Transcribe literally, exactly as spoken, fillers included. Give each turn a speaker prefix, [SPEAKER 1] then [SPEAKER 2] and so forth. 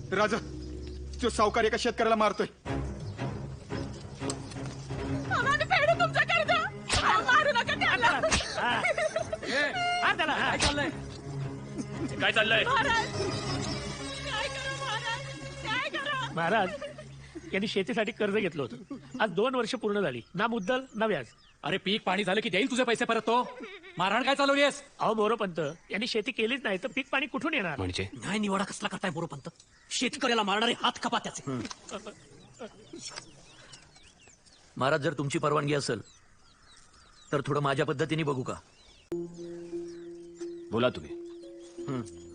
[SPEAKER 1] राजा तो सावकार एका शेतकऱ्याला मारतोय.
[SPEAKER 2] आम्हाला फेडू तुमचं कर्ज. मारू नका त्याला.
[SPEAKER 3] काय चाललंय काय चाललंय
[SPEAKER 2] महाराज काय करू महाराज काय करू.
[SPEAKER 4] महाराज यांनी शेतीसाठी कर्ज घेतलं होतं. आज दोन वर्ष पूर्ण झाली, ना मुद्दल ना व्याज.
[SPEAKER 3] अरे पीक पाणी झालं की देईल तुझे पैसे परत तो. मारहाण काय चालवलीस?
[SPEAKER 4] अहो मोरोपंत, यांनी शेती केलीच नाही तर पीक पाणी कुठून येणार?
[SPEAKER 5] म्हणजे
[SPEAKER 6] न्याय निवाडा कसला करताय मोरोपंत? शेतकऱ्याला मारणारे हात कपा त्याचे.
[SPEAKER 7] महाराज जर तुमची परवानगी असेल तर थोडं माझ्या पद्धतीने बघू का?
[SPEAKER 5] बोला तुम्ही.